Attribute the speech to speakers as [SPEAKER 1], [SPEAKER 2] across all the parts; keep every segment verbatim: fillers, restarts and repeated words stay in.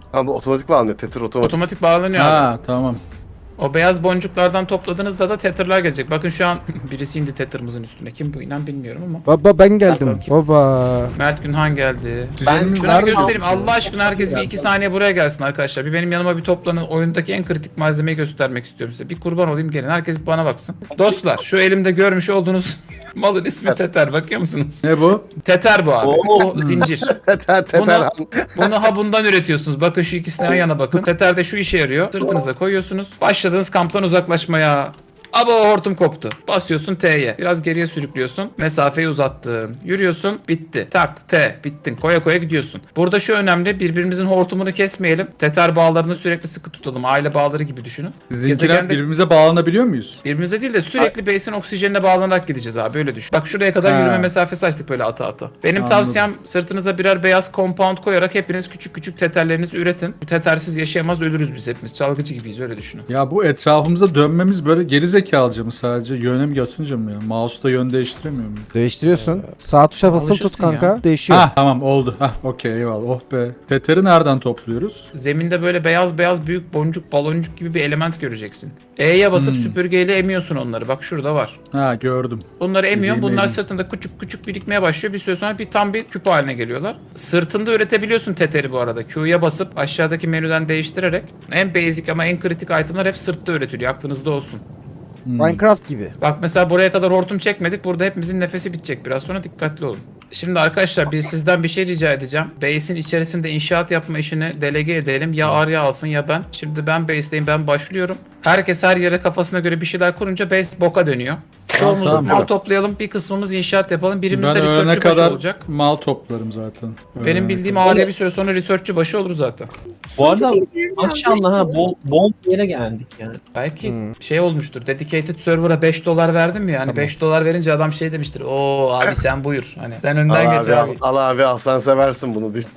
[SPEAKER 1] Ama otomatik bağlanıyor. Tether otomatik.
[SPEAKER 2] Otomatik bağlanıyor abi.
[SPEAKER 3] Ha tamam.
[SPEAKER 2] O beyaz boncuklardan topladığınızda da tether'lar gelecek. Bakın şu an birisi indi tether'ımızın üstüne. Kim bu inan bilmiyorum ama.
[SPEAKER 4] Baba ben geldim.
[SPEAKER 2] Bakayım.
[SPEAKER 4] Baba.
[SPEAKER 2] Mert Günhan geldi.
[SPEAKER 3] Ben
[SPEAKER 2] Şuna bir göstereyim. Allah aşkına herkes bir iki saniye buraya gelsin arkadaşlar. Bir benim yanıma bir toplanın. Oyundaki en kritik malzemeyi göstermek istiyorum size. Bir kurban olayım gelin. Herkes bana baksın. Dostlar şu elimde görmüş olduğunuz malın ismi Tether. Bakıyor musunuz?
[SPEAKER 3] Ne bu?
[SPEAKER 2] Tether bu abi.
[SPEAKER 5] Oo.
[SPEAKER 2] Bu zincir.
[SPEAKER 1] Tether tether.
[SPEAKER 2] Bunu, bunu ha bundan üretiyorsunuz. Bakın şu ikisine yan yana bakın. Tether de şu işe yarıyor. Sırtınıza koyuyorsunuz. Başladığınız kamptan uzaklaşmaya. Aba hortum koptu. Basıyorsun T'ye. Biraz geriye sürüklüyorsun. Mesafeyi uzattın. Yürüyorsun. Bitti. Tak T. Bittin. Koya koya gidiyorsun. Burada şu önemli. Birbirimizin hortumunu kesmeyelim. Tether bağlarını sürekli sıkı tutalım. Aile bağları gibi düşünün.
[SPEAKER 3] Sizinkiler
[SPEAKER 2] Gezegende-
[SPEAKER 3] birbirimize bağlanabiliyor muyuz?
[SPEAKER 2] Birbirimize değil de sürekli base'in oksijenine bağlanarak gideceğiz abi öyle düşün. Bak şuraya kadar
[SPEAKER 3] Ha.
[SPEAKER 2] yürüme mesafesi açtık böyle ata ata. Benim
[SPEAKER 3] Anladım.
[SPEAKER 2] tavsiyem sırtınıza birer beyaz compound koyarak hepiniz küçük küçük teterlerinizi üretin. Bu tetersiz yaşayamaz ölürüz biz hepimiz. Çalgıcı gibiyiz öyle düşünün.
[SPEAKER 3] Ya bu etrafımıza dönmemiz böyle geri zekalıca mı sadece? Yöne mi basınca mı ya? Mouse'da yön değiştiremiyor muyum?
[SPEAKER 4] Değiştiriyorsun. Sağ tuşa basılı tut
[SPEAKER 2] alışırsın
[SPEAKER 4] kanka.
[SPEAKER 2] ya.
[SPEAKER 4] Değişiyor.
[SPEAKER 3] Ha tamam oldu. Hah okey eyvallah. Oh be. Tether'i nereden topluyoruz?
[SPEAKER 2] Zeminde böyle beyaz beyaz büyük boncuk baloncuk gibi bir element göreceksin. E'ye basıp
[SPEAKER 3] Hmm.
[SPEAKER 2] süpürgeyle emiyorsun onları. Bak şurada var.
[SPEAKER 3] Ha gördüm.
[SPEAKER 2] Bunları emiyorsun.
[SPEAKER 3] Bildiğim
[SPEAKER 2] Bunlar
[SPEAKER 3] elim.
[SPEAKER 2] sırtında küçük küçük birikmeye başlıyor. Bir süre sonra bir tam bir küp haline geliyorlar. Sırtında üretebiliyorsun teteri bu arada. Q'ya basıp aşağıdaki menüden değiştirerek. En basic ama en kritik itemler hep sırtta üretiliyor. Aklınızda olsun.
[SPEAKER 4] Minecraft gibi.
[SPEAKER 2] Bak mesela buraya kadar hortum çekmedik. Burada hepimizin nefesi bitecek. Biraz sonra dikkatli olun. Şimdi arkadaşlar bir sizden bir şey rica edeceğim. Base'in içerisinde inşaat yapma işini delege edelim. Ya Arya alsın ya ben. Şimdi ben base'deyim, ben başlıyorum. Herkes her yere kafasına göre bir şeyler kurunca base boka dönüyor. Çoğumuz
[SPEAKER 3] tamam.
[SPEAKER 2] mal toplayalım, bir kısmımız inşaat yapalım. Birimiz
[SPEAKER 3] Ben
[SPEAKER 2] de
[SPEAKER 3] ölene
[SPEAKER 2] researchçı başı
[SPEAKER 3] kadar
[SPEAKER 2] olacak.
[SPEAKER 3] mal toplarım zaten.
[SPEAKER 2] Benim
[SPEAKER 3] Ölene
[SPEAKER 2] bildiğim
[SPEAKER 3] kadar.
[SPEAKER 2] Arya bir süre sonra researchçı başı olur zaten.
[SPEAKER 5] Bu arada maşallah ha bol, bol bir yere geldik yani.
[SPEAKER 2] Belki şey olmuştur. Dedicated server'a beş dolar verdim ya. Hani beş dolar verince adam şey demiştir. Oo abi sen buyur. Hani sen önden
[SPEAKER 1] Al
[SPEAKER 2] geç
[SPEAKER 1] abi, al,
[SPEAKER 2] abi.
[SPEAKER 1] al abi al sen seversin bunu deyip.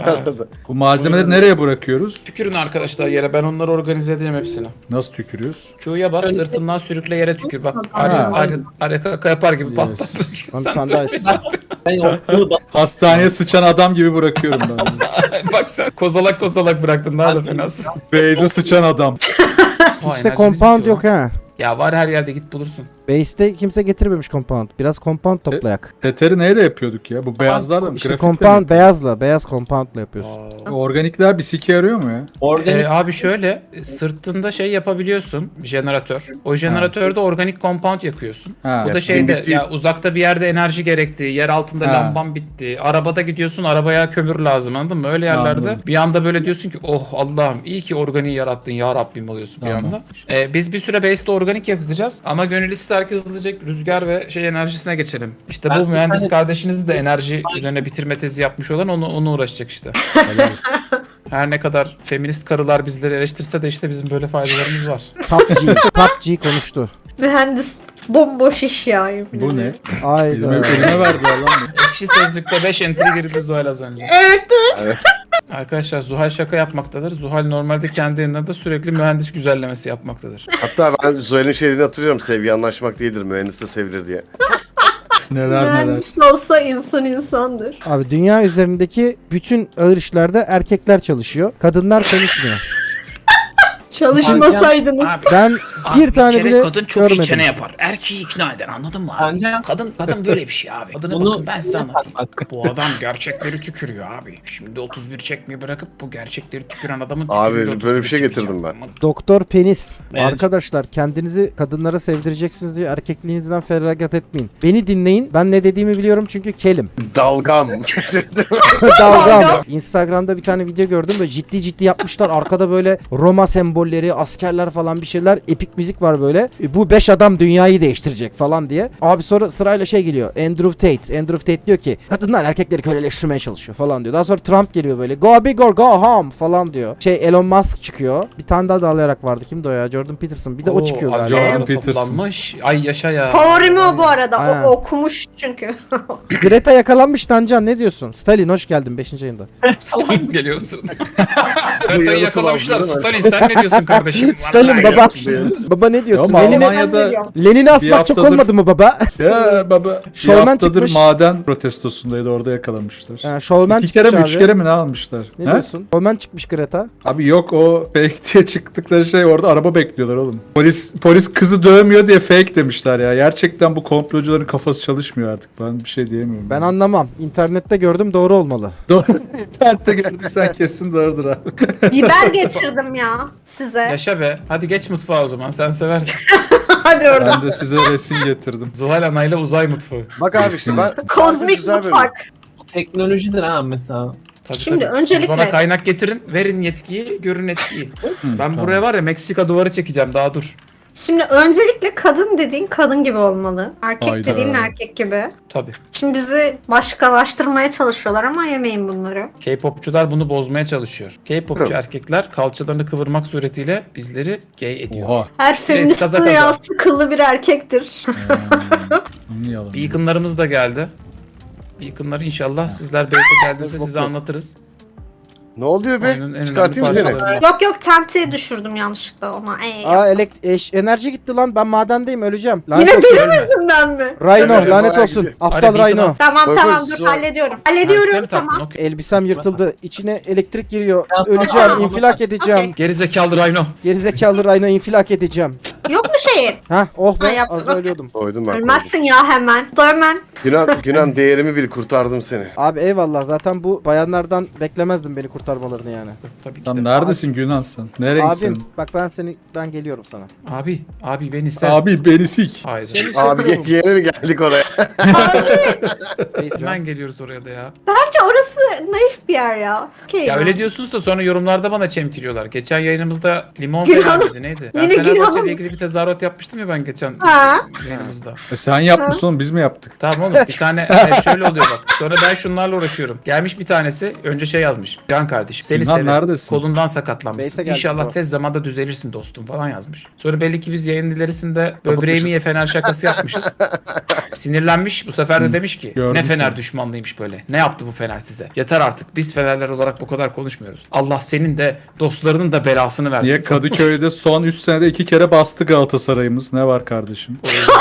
[SPEAKER 3] Bu malzemeleri nereye bırakıyoruz?
[SPEAKER 2] Tükürün arkadaşlar yere. Ben onları organize edeceğim hepsini.
[SPEAKER 3] Nasıl tükürüyoruz?
[SPEAKER 2] Q'ya bas, sırtından sürükle yere tükür. Bak araya, araya, araya kaka yapar gibi
[SPEAKER 3] Yes.
[SPEAKER 2] patlat.
[SPEAKER 4] Lan
[SPEAKER 2] Sen
[SPEAKER 4] sen
[SPEAKER 2] de-
[SPEAKER 4] daha iyisin.
[SPEAKER 5] Ben okulu bak
[SPEAKER 3] Hastaneye sıçan adam gibi bırakıyorum ben.
[SPEAKER 2] Bak sen kozalak kozalak bıraktın. Daha da fenasın.
[SPEAKER 3] Base'e sıçan adam.
[SPEAKER 2] Vay,
[SPEAKER 4] İşte
[SPEAKER 2] enerjimiz
[SPEAKER 4] compound
[SPEAKER 2] bitiyor
[SPEAKER 4] yok
[SPEAKER 2] lan.
[SPEAKER 4] ha.
[SPEAKER 2] Ya var her yerde git bulursun.
[SPEAKER 4] Base'te kimse getirmemiş compound. Biraz compound toplayak.
[SPEAKER 3] Tether'i neyle yapıyorduk ya? Bu beyazlarla mı?
[SPEAKER 4] İşte
[SPEAKER 3] Grafikle
[SPEAKER 4] compound
[SPEAKER 3] mi?
[SPEAKER 4] beyazla. Beyaz compoundla yapıyorsun.
[SPEAKER 3] Organikler bir sike yarıyor mu ya?
[SPEAKER 5] organik
[SPEAKER 2] Ee, abi şöyle sırtında şey yapabiliyorsun jeneratör. O jeneratörde organik compound yakıyorsun.
[SPEAKER 3] Ha.
[SPEAKER 2] Bu da
[SPEAKER 1] Ya,
[SPEAKER 2] şeyde
[SPEAKER 1] bitti.
[SPEAKER 2] ya uzakta bir yerde enerji gerekti, yer altında
[SPEAKER 3] Ha.
[SPEAKER 2] lamban bitti. Arabada gidiyorsun arabaya kömür lazım anladın mı? Öyle yerlerde
[SPEAKER 3] Anladım.
[SPEAKER 2] bir anda böyle diyorsun ki oh Allah'ım iyi ki organiği yarattın ya Rabbim oluyorsun bir
[SPEAKER 3] Tamam.
[SPEAKER 2] anda. Ee, biz bir süre base'de organik yakacağız ama gönül ister ki hızlıca rüzgar ve şey enerjisine geçelim. İşte
[SPEAKER 5] Ben
[SPEAKER 2] bu
[SPEAKER 5] bir
[SPEAKER 2] mühendis
[SPEAKER 5] tane-
[SPEAKER 2] kardeşiniz de enerji üzerine bitirme tezi yapmış olan onu, onu uğraşacak işte.
[SPEAKER 3] Helal.
[SPEAKER 2] Her ne kadar feminist karılar bizleri eleştirse de işte bizim böyle faydalarımız var.
[SPEAKER 4] Top G. Top G konuştu.
[SPEAKER 6] Mühendis bomboş iş ya. yemin
[SPEAKER 3] Bu ne?
[SPEAKER 6] ederim.
[SPEAKER 3] Elime,
[SPEAKER 4] Ayda.
[SPEAKER 3] elime verdiler lan bu.
[SPEAKER 2] Ekşi Sözlük'te beş entry girdi Zuhal az önce.
[SPEAKER 6] Evet evet.
[SPEAKER 2] Arkadaşlar Zuhal şaka yapmaktadır. Zuhal normalde kendi yanında da sürekli mühendis güzellemesi yapmaktadır.
[SPEAKER 1] Hatta ben Zuhal'in şeyini hatırlıyorum. Sevgi anlaşmak değildir. Mühendis de sevilir diye.
[SPEAKER 3] Neler neler.
[SPEAKER 6] Mühendis olsa insan insandır.
[SPEAKER 4] Abi dünya üzerindeki bütün ağır işlerde erkekler çalışıyor. Kadınlar konuşmuyor.
[SPEAKER 6] Çalışmasaydınız.
[SPEAKER 2] Abi,
[SPEAKER 4] Ben bir tane bile
[SPEAKER 2] kadın çok
[SPEAKER 4] görmedim.
[SPEAKER 2] iyi çene yapar. Erkeği ikna eder anladın mı? abi?
[SPEAKER 5] Bence-
[SPEAKER 2] Kadın kadın böyle bir şey abi. Kadına
[SPEAKER 5] Bunu-
[SPEAKER 2] bakın ben size anlatayım.
[SPEAKER 5] Bak.
[SPEAKER 2] Bu adam gerçekleri tükürüyor abi. Şimdi otuz bir çekmeyi bırakıp bu gerçekleri tüküren adamın
[SPEAKER 1] Abi,
[SPEAKER 2] tükürüğüyle
[SPEAKER 1] böyle bir
[SPEAKER 2] otuz bir
[SPEAKER 1] şey
[SPEAKER 2] çekeceğim.
[SPEAKER 1] getirdim ben.
[SPEAKER 4] Doktor Penis.
[SPEAKER 5] Evet.
[SPEAKER 4] Arkadaşlar kendinizi kadınlara sevdireceksiniz diye erkekliğinizden feragat etmeyin. Beni dinleyin. Ben ne dediğimi biliyorum çünkü kelim.
[SPEAKER 1] Dalgam.
[SPEAKER 4] Dalgam. Instagram'da bir tane video gördüm böyle ciddi ciddi yapmışlar. Arkada böyle Roma sembolleri, askerler falan bir şeyler. Epik müzik var böyle. E, Bu beş adam dünyayı değiştirecek falan diye. Abi sonra sırayla şey geliyor. Andrew Tate. Andrew Tate diyor ki kadınlar erkekleri köleleştirmeye çalışıyor falan diyor. Daha sonra Trump geliyor böyle. Go big or go home falan diyor. Şey Elon Musk çıkıyor. Bir tane daha dağlayarak vardı. Kimdi o ya? Jordan Peterson. Bir de o
[SPEAKER 2] Oo,
[SPEAKER 4] çıkıyor
[SPEAKER 2] abi,
[SPEAKER 4] galiba.
[SPEAKER 3] Jordan
[SPEAKER 2] Jordan
[SPEAKER 3] Peterson.
[SPEAKER 2] toplanmış. Ay yaşa ya.
[SPEAKER 6] Favorim o bu arada.
[SPEAKER 4] Aynen.
[SPEAKER 6] O okumuş çünkü.
[SPEAKER 4] Greta yakalanmış Tancan ne diyorsun? Stalin hoş geldin beşinci ayında.
[SPEAKER 2] Stalin geliyor sırada.
[SPEAKER 1] Bu
[SPEAKER 2] Greta'yı
[SPEAKER 1] yarısı
[SPEAKER 2] yakalamışlar.
[SPEAKER 1] lazım, değil mi?
[SPEAKER 2] Stalin sen ne diyorsun? diyorsun kardeşim?
[SPEAKER 4] Stalin
[SPEAKER 2] Vallahi
[SPEAKER 4] baba.
[SPEAKER 2] yok.
[SPEAKER 4] Baba ne diyorsun?
[SPEAKER 3] Ya ama
[SPEAKER 4] Lenin'i
[SPEAKER 3] Almanya'da
[SPEAKER 4] Lenin'i
[SPEAKER 3] Bir
[SPEAKER 4] asmak çok
[SPEAKER 3] haftadır-
[SPEAKER 4] olmadı mı baba?
[SPEAKER 3] ya baba bir
[SPEAKER 4] Şovmen
[SPEAKER 3] haftadır
[SPEAKER 4] çıkmış.
[SPEAKER 3] maden protestosundaydı, orada yakalamışlar.
[SPEAKER 4] Ha, şovmen
[SPEAKER 3] İki
[SPEAKER 4] çıkmış
[SPEAKER 3] kere mi
[SPEAKER 4] abi.
[SPEAKER 3] üç kere mi ne almışlar?
[SPEAKER 4] Ne
[SPEAKER 3] He?
[SPEAKER 4] diyorsun? Şovmen çıkmış Greta.
[SPEAKER 3] Abi yok, o fake diye çıktıkları şey, orada araba bekliyorlar oğlum. Polis polis kızı dövmüyor diye fake demişler ya. Gerçekten bu komplocuların kafası çalışmıyor artık. Ben bir şey diyemiyorum.
[SPEAKER 4] Ben anlamam. İnternette gördüm, doğru olmalı.
[SPEAKER 3] Doğru. İnternette gördüysen kesin doğrudur abi.
[SPEAKER 6] Biber getirdim ya size.
[SPEAKER 2] Yaşa be. Hadi geç mutfağa o zaman. Sen seversin.
[SPEAKER 6] Hadi orada.
[SPEAKER 3] Ben de size resim getirdim.
[SPEAKER 2] Zuhal Ana'yla uzay mutfağı.
[SPEAKER 1] Bak abi işte ben...
[SPEAKER 6] Kozmik
[SPEAKER 1] güzel bölüm.
[SPEAKER 6] mutfak.
[SPEAKER 5] Bu teknolojidir ha mesela.
[SPEAKER 2] Tabii,
[SPEAKER 6] Şimdi
[SPEAKER 2] tabii.
[SPEAKER 6] öncelikle-
[SPEAKER 2] Siz bana kaynak getirin, verin yetkiyi, görün etkiyi. ben
[SPEAKER 3] tamam.
[SPEAKER 2] buraya var ya Meksika duvarı çekeceğim, daha dur.
[SPEAKER 6] Şimdi öncelikle kadın dediğin kadın gibi olmalı. Erkek
[SPEAKER 3] Hayda.
[SPEAKER 6] dediğin erkek gibi.
[SPEAKER 2] Tabii.
[SPEAKER 6] Şimdi bizi başkalaştırmaya çalışıyorlar ama yemeyin bunları.
[SPEAKER 2] K-popçular bunu bozmaya çalışıyor. K-popçu
[SPEAKER 1] Hı.
[SPEAKER 2] erkekler kalçalarını kıvırmak suretiyle bizleri gay ediyor.
[SPEAKER 3] Oha.
[SPEAKER 6] Her feministin
[SPEAKER 2] kaza kaza.
[SPEAKER 6] rüyası kıllı bir erkektir.
[SPEAKER 3] Hmm, niye yalan?
[SPEAKER 2] Beacon'larımız da geldi. Beacon'ları inşallah sizler base'e geldiğinizde size anlatırız.
[SPEAKER 1] Ne oluyor be?
[SPEAKER 2] Oyunun en önemli
[SPEAKER 1] Çıkartayım mı seni?
[SPEAKER 2] parçalarından.
[SPEAKER 6] yok yok tenteye düşürdüm yanlışlıkla ona. Ey,
[SPEAKER 4] Aa elekt eş- enerji gitti lan. Ben madendeyim, öleceğim. Lanet
[SPEAKER 6] Yine
[SPEAKER 4] olsun.
[SPEAKER 6] benim yüzümden mi?
[SPEAKER 4] Rhino
[SPEAKER 1] Evet,
[SPEAKER 4] lanet
[SPEAKER 1] bayağı
[SPEAKER 4] olsun.
[SPEAKER 1] gidiyor.
[SPEAKER 4] Aptal
[SPEAKER 2] Hadi
[SPEAKER 4] Rhino.
[SPEAKER 2] Beacon
[SPEAKER 6] Tamam
[SPEAKER 1] Koy,
[SPEAKER 6] tamam
[SPEAKER 1] koy,
[SPEAKER 6] dur
[SPEAKER 1] zor.
[SPEAKER 6] hallediyorum.
[SPEAKER 2] Ha, üstüne
[SPEAKER 6] Hallediyorum
[SPEAKER 2] mi taktın?
[SPEAKER 6] tamam.
[SPEAKER 2] Okey.
[SPEAKER 4] Elbisem yırtıldı. İçine elektrik giriyor.
[SPEAKER 5] Ya,
[SPEAKER 4] Öleceğim,
[SPEAKER 6] tamam.
[SPEAKER 4] infilak edeceğim.
[SPEAKER 6] Okey.
[SPEAKER 2] Geri zekalı Rhino.
[SPEAKER 4] Gerizekalı Rhino, infilak edeceğim.
[SPEAKER 6] Yok mu şeyin?
[SPEAKER 4] Ha oh
[SPEAKER 6] Ha,
[SPEAKER 4] be,
[SPEAKER 6] yaptın,
[SPEAKER 4] az
[SPEAKER 6] okey.
[SPEAKER 4] ölüyordum.
[SPEAKER 1] Koydum ben. koydum.
[SPEAKER 6] Ölmezsin ya hemen. Da hemen.
[SPEAKER 1] Günan, Günan değerimi bil, kurtardım seni.
[SPEAKER 4] Abi eyvallah, zaten bu bayanlardan beklemezdim beni kurtarmalarını yani.
[SPEAKER 2] Tabii ki
[SPEAKER 3] Lan
[SPEAKER 2] de.
[SPEAKER 3] neredesin Günan sen? Ne renksin?
[SPEAKER 4] Abim bak, ben seni ben geliyorum sana.
[SPEAKER 2] Abi, abi beni sev.
[SPEAKER 3] Abi beni sik.
[SPEAKER 2] Haydi.
[SPEAKER 1] Abi ge- yeni mi geldik oraya?
[SPEAKER 4] Face
[SPEAKER 2] Hemen geliyoruz oraya da ya.
[SPEAKER 6] Bence orası naif bir yer ya. Okey
[SPEAKER 2] Ya
[SPEAKER 6] ya.
[SPEAKER 2] öyle diyorsunuz da sonra yorumlarda bana çemkiriyorlar. Geçen yayınımızda limon
[SPEAKER 6] Gülhan-
[SPEAKER 2] falan dedi neydi? Ben
[SPEAKER 6] Yine
[SPEAKER 2] Fenerbahçe
[SPEAKER 6] Gülhan-
[SPEAKER 2] ile ilgili bir tezahürat yapmıştım ya ben geçen
[SPEAKER 6] Ha.
[SPEAKER 2] yayınımızda.
[SPEAKER 3] E sen yapmışsın oğlum, biz mi yaptık?
[SPEAKER 2] Tamam oğlum bir tane e, şöyle oluyor bak. Sonra ben şunlarla uğraşıyorum. Gelmiş bir tanesi önce şey yazmış. Can kardeşim seni
[SPEAKER 3] Gülhan
[SPEAKER 2] severim.
[SPEAKER 3] neredesin?
[SPEAKER 2] Kolundan sakatlanmışsın.
[SPEAKER 4] Beyse geldik
[SPEAKER 2] İnşallah
[SPEAKER 4] bu.
[SPEAKER 2] tez zamanda düzelirsin dostum falan yazmış. Sonra belli ki biz yayın ilerisinde böbreğimi ye Fener şakası yapmışız. Sinirlenmiş. Bu sefer de demiş ki
[SPEAKER 3] gördüm
[SPEAKER 2] ne Fener
[SPEAKER 3] seni.
[SPEAKER 2] düşmanlıymış böyle. Ne yaptı bu Fener size? Yeter artık. Biz Fenerler olarak bu kadar konuşmuyoruz. Allah senin de dostlarının da belasını versin.
[SPEAKER 3] Niye Kadıköy'de son üç senede iki kere bastı Galatasaray'ımız? Ne var kardeşim?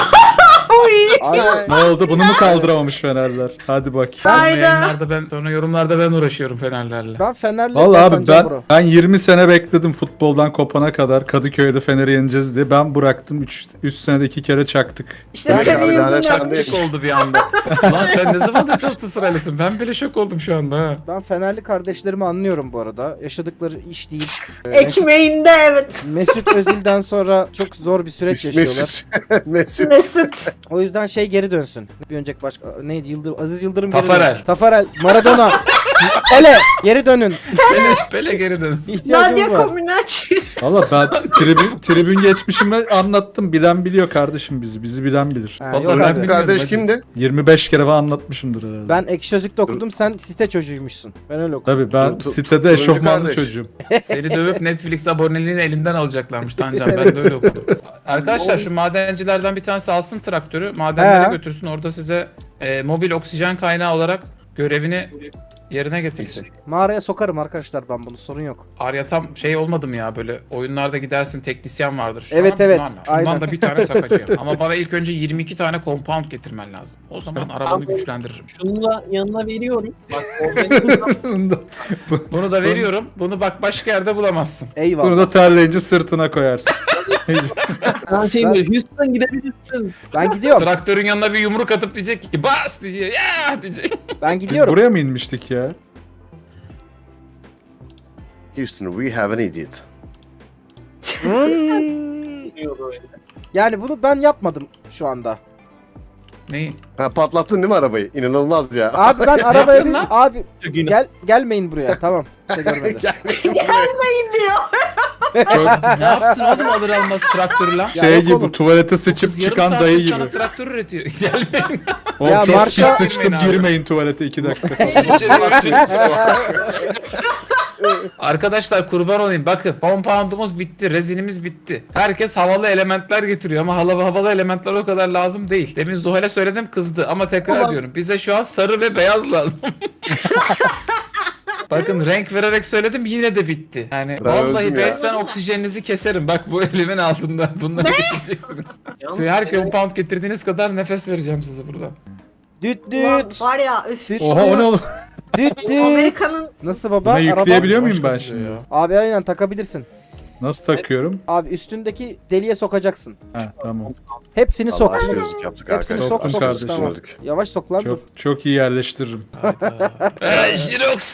[SPEAKER 4] Abi
[SPEAKER 3] Ne oldu? Bunu mu kaldıramamış Fenerler? Hadi bak.
[SPEAKER 2] Sonra
[SPEAKER 6] Hayda.
[SPEAKER 2] yayınlarda ben, sonra yorumlarda ben uğraşıyorum Fenerlerle.
[SPEAKER 4] ben Fener'le
[SPEAKER 3] Vallahi abi
[SPEAKER 4] kapanacağım
[SPEAKER 3] ben
[SPEAKER 4] bro.
[SPEAKER 3] ben yirmi sene bekledim futboldan kopana kadar Kadıköy'de Fener'i yeneceğiz diye. Ben bıraktım, üç senede iki kere çaktık.
[SPEAKER 6] İşte
[SPEAKER 1] Ben
[SPEAKER 6] senin
[SPEAKER 1] abi lanet
[SPEAKER 6] yüzünden.
[SPEAKER 1] sen değil.
[SPEAKER 2] Şok oldu bir anda. Lan sen ne zamandır Galatasaraylısın? Ben bile şok oldum şu anda ha.
[SPEAKER 4] Ben Fenerli kardeşlerimi anlıyorum bu arada. Yaşadıkları iş değil. Ee, Mesut,
[SPEAKER 6] Ekmeğinde evet.
[SPEAKER 4] Mesut Özil'den sonra çok zor bir süreç yaşıyorlar.
[SPEAKER 1] Mesut. Mesut.
[SPEAKER 6] Mesut.
[SPEAKER 4] O yüzden şey geri dönsün. Bir önceki başka neydi? Yıldırım, Aziz Yıldırım geri
[SPEAKER 2] Tafarel.
[SPEAKER 4] dönsün. Tafarel, Maradona, Pele geri dönün.
[SPEAKER 2] Pele, Pele geri dönsün.
[SPEAKER 4] İhtiyacımız
[SPEAKER 6] Nadia
[SPEAKER 4] var.
[SPEAKER 6] Comaneci.
[SPEAKER 3] Valla ben tribün, tribün geçmişimi anlattım. Bilen biliyor kardeşim bizi. Bizi bilen bilir.
[SPEAKER 4] Ha,
[SPEAKER 2] Vallahi
[SPEAKER 4] yok
[SPEAKER 2] ben
[SPEAKER 4] abi.
[SPEAKER 2] bilmiyorum
[SPEAKER 1] Kardeş
[SPEAKER 2] hacı.
[SPEAKER 1] kimdi?
[SPEAKER 3] yirmi beş kere falan anlatmışımdır herhalde.
[SPEAKER 4] Ben Ekşi Sözlük'te okudum, sen site çocuğuymuşsun. Ben öyle okudum.
[SPEAKER 3] Tabii ben
[SPEAKER 1] Tu- tu-
[SPEAKER 3] sitede
[SPEAKER 1] turuncu
[SPEAKER 3] eşofmanlı
[SPEAKER 1] kardeş.
[SPEAKER 3] çocuğum.
[SPEAKER 2] Seni dövüp Netflix aboneliğini elinden alacaklarmış Tancan. Ben de öyle okudum. Arkadaşlar şu madencilerden bir tanesi alsın traktörü. Madenlere
[SPEAKER 4] He.
[SPEAKER 2] götürsün. Orada size e, mobil oksijen kaynağı olarak görevini yerine getirsin.
[SPEAKER 4] Mağaraya sokarım arkadaşlar ben bunu, sorun yok.
[SPEAKER 2] Arya tam şey olmadım ya böyle oyunlarda gidersin teknisyen vardır. Şu
[SPEAKER 4] Evet,
[SPEAKER 2] an
[SPEAKER 4] evet,
[SPEAKER 2] bunlarla. Şundan
[SPEAKER 4] aynen.
[SPEAKER 2] da bir tane takacağım. Ama bana ilk önce yirmi iki tane compound getirmen lazım. O zaman arabanı güçlendiririm.
[SPEAKER 5] Şunu da yanına veriyorum. Bak organizasyon
[SPEAKER 2] Bunu da veriyorum. Bunu bak başka yerde bulamazsın.
[SPEAKER 4] Eyvallah.
[SPEAKER 3] Bunu da terleyince sırtına koyarsın.
[SPEAKER 5] ben şey
[SPEAKER 4] Ben-
[SPEAKER 5] diyor. Houston gidebilirsin.
[SPEAKER 4] Ben gidiyorum.
[SPEAKER 2] Traktörün yanına bir yumruk atıp diyecek ki bas diyecek. Ya diyecek.
[SPEAKER 4] Ben
[SPEAKER 3] Biz
[SPEAKER 4] gidiyorum.
[SPEAKER 3] buraya mı inmiştik ya?
[SPEAKER 1] Houston, we have an idiot.
[SPEAKER 4] Hmm.
[SPEAKER 5] Diyor böyle.
[SPEAKER 4] Yani bunu ben yapmadım şu anda.
[SPEAKER 2] Neyi?
[SPEAKER 1] Ha patlattın değil mi arabayı? İnanılmaz ya.
[SPEAKER 4] Abi ben arabaya
[SPEAKER 2] yaptın
[SPEAKER 4] bin...
[SPEAKER 2] lan?
[SPEAKER 4] Abi
[SPEAKER 5] Günah.
[SPEAKER 4] gel gelmeyin buraya. Tamam. Şey görmedi.
[SPEAKER 6] Gelmeyin diyor.
[SPEAKER 3] Çok
[SPEAKER 2] Ne yaptın oğlum alır almaz traktörü lan?
[SPEAKER 4] Ya
[SPEAKER 3] şey
[SPEAKER 4] yok
[SPEAKER 3] gibi
[SPEAKER 4] oğlum.
[SPEAKER 3] tuvalete sıçıp
[SPEAKER 2] Kız yarım
[SPEAKER 3] çıkan
[SPEAKER 2] saattir
[SPEAKER 3] dayı
[SPEAKER 2] sana
[SPEAKER 3] gibi.
[SPEAKER 2] traktör üretiyor. Gelmeyin.
[SPEAKER 3] Oğlum
[SPEAKER 4] Ya
[SPEAKER 3] çok
[SPEAKER 4] marşa-
[SPEAKER 3] pis sıçtım,
[SPEAKER 2] Girmeyin abi.
[SPEAKER 3] girmeyin tuvalete iki dakika.
[SPEAKER 2] Arkadaşlar kurban olayım bakın compoundumuz bitti, rezinimiz bitti. Herkes havalı elementler getiriyor ama havalı havalı elementler o kadar lazım değil. Demin Zuhal'e söyledim kızdı ama tekrar
[SPEAKER 1] Ulan.
[SPEAKER 2] diyorum bize şu an sarı ve beyaz lazım. Bakın renk vererek söyledim yine de bitti. Yani
[SPEAKER 1] Ben
[SPEAKER 2] vallahi
[SPEAKER 1] öldüm ya.
[SPEAKER 2] beşten oksijeninizi keserim. Bak bu elimin altından bunları getireceksiniz. Size her compound getirdiğiniz kadar nefes vereceğim size burada.
[SPEAKER 4] Düt
[SPEAKER 6] Ulan
[SPEAKER 4] düt.
[SPEAKER 6] var ya üf.
[SPEAKER 4] Düt
[SPEAKER 3] Oha o ne oğlum?
[SPEAKER 4] düt düt.
[SPEAKER 6] Amerika'nın
[SPEAKER 4] Nasıl baba?
[SPEAKER 3] Buna
[SPEAKER 4] Araba.
[SPEAKER 3] yükleyebiliyor muyum ben
[SPEAKER 2] Başka
[SPEAKER 3] şimdi?
[SPEAKER 2] ya.
[SPEAKER 4] Abi aynen takabilirsin.
[SPEAKER 3] Nasıl takıyorum?
[SPEAKER 4] Abi üstündeki deliğe sokacaksın.
[SPEAKER 3] Ha tamam.
[SPEAKER 4] Hepsini sok.
[SPEAKER 1] Allah gözlük yaptık
[SPEAKER 4] Hepsini
[SPEAKER 1] arkadaşlar.
[SPEAKER 4] sok
[SPEAKER 3] Sokun
[SPEAKER 4] sok.
[SPEAKER 3] kardeşim.
[SPEAKER 4] Tamam.
[SPEAKER 1] Düşünürdük.
[SPEAKER 4] Yavaş sok lan dur.
[SPEAKER 3] Çok çok iyi yerleştiririm.
[SPEAKER 2] Eee Jirox.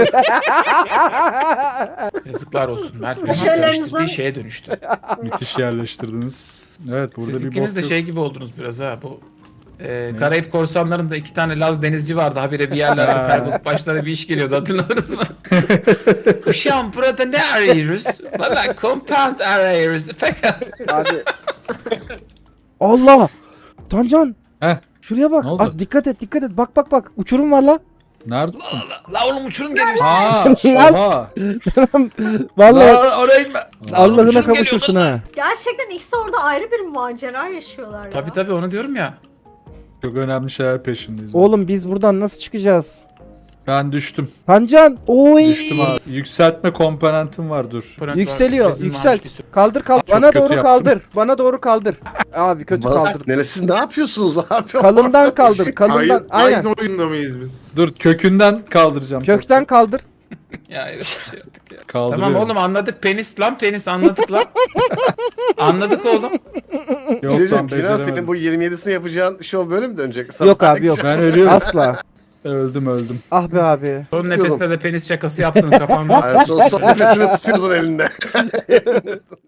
[SPEAKER 2] Yazıklar olsun. Mert Bey
[SPEAKER 6] Başarılarınızın-
[SPEAKER 2] değiştirdiği şeye dönüştü.
[SPEAKER 3] Müthiş yerleştirdiniz. Evet burada
[SPEAKER 2] Siz
[SPEAKER 3] bir
[SPEAKER 2] ikiniz
[SPEAKER 3] bok
[SPEAKER 2] de
[SPEAKER 3] yok.
[SPEAKER 2] şey gibi oldunuz biraz ha. Bu e, Karayip korsanlarında iki tane Laz denizci vardı. Habire bir yerlerde
[SPEAKER 3] Ha.
[SPEAKER 2] kaybolup başlarına bir iş geliyordu. Hatırladınız mı? Uşağım burada ne arıyoruz? Valla compound arıyoruz. Fakat
[SPEAKER 4] Abi. Allah. Tancan.
[SPEAKER 3] Heh.
[SPEAKER 4] Şuraya bak.
[SPEAKER 3] Ne oldu?
[SPEAKER 4] Aa, dikkat et dikkat et. Bak bak bak. Uçurum var la.
[SPEAKER 3] Nerede?
[SPEAKER 2] la, la oğlum uçurum geliyor.
[SPEAKER 3] Aa, oha.
[SPEAKER 4] Vallahi
[SPEAKER 2] La, oraya gitme. La,
[SPEAKER 4] Allah'ına
[SPEAKER 2] uçurum
[SPEAKER 4] kavuşursun
[SPEAKER 2] geliyor.
[SPEAKER 4] ha.
[SPEAKER 6] gerçekten ikisi orada ayrı bir macera yaşıyorlar ya.
[SPEAKER 2] Tabii tabii onu diyorum ya.
[SPEAKER 3] Çok önemli şeyler peşindeyiz.
[SPEAKER 4] Oğlum biz buradan nasıl çıkacağız?
[SPEAKER 3] Ben düştüm.
[SPEAKER 4] Tancan. Oy.
[SPEAKER 3] Düştüm abi. Yükseltme komponentim var dur.
[SPEAKER 4] Yükseliyor.
[SPEAKER 2] Rezil
[SPEAKER 4] Yükselt.
[SPEAKER 2] varmış bir sürü.
[SPEAKER 4] Kaldır kaldır.
[SPEAKER 3] Çok
[SPEAKER 4] Bana
[SPEAKER 3] kötü
[SPEAKER 4] doğru
[SPEAKER 3] yaptım.
[SPEAKER 4] kaldır. Bana doğru kaldır. Abi kötü
[SPEAKER 1] Bana
[SPEAKER 4] kaldır.
[SPEAKER 1] sık neresi ne yapıyorsunuz abi?
[SPEAKER 4] Kalından kaldır. Kalından.
[SPEAKER 7] Aynı,
[SPEAKER 4] Aynen.
[SPEAKER 7] aynı oyunda mıyız biz?
[SPEAKER 3] Dur kökünden kaldıracağım.
[SPEAKER 4] Kökten kaldır.
[SPEAKER 2] Ya öyle bir şey yaptık ya.
[SPEAKER 3] Kaldırıyorum.
[SPEAKER 2] Tamam oğlum anladık penis lan penis anladık lan. Anladık oğlum.
[SPEAKER 3] Yok
[SPEAKER 1] Diyeceğim
[SPEAKER 3] lan
[SPEAKER 1] ki Yunan
[SPEAKER 3] beceremedim.
[SPEAKER 1] senin bu yirmi yedisini yapacağın şov böyle mi dönecek?
[SPEAKER 4] Yok abi yok.
[SPEAKER 3] Ben ölüyorum.
[SPEAKER 4] Asla.
[SPEAKER 3] Öldüm öldüm.
[SPEAKER 4] Ah be abi.
[SPEAKER 2] Son nefeste de penis şakası yaptın kafamda.
[SPEAKER 1] Ay, son, son nefesini tutuyorsun elinde.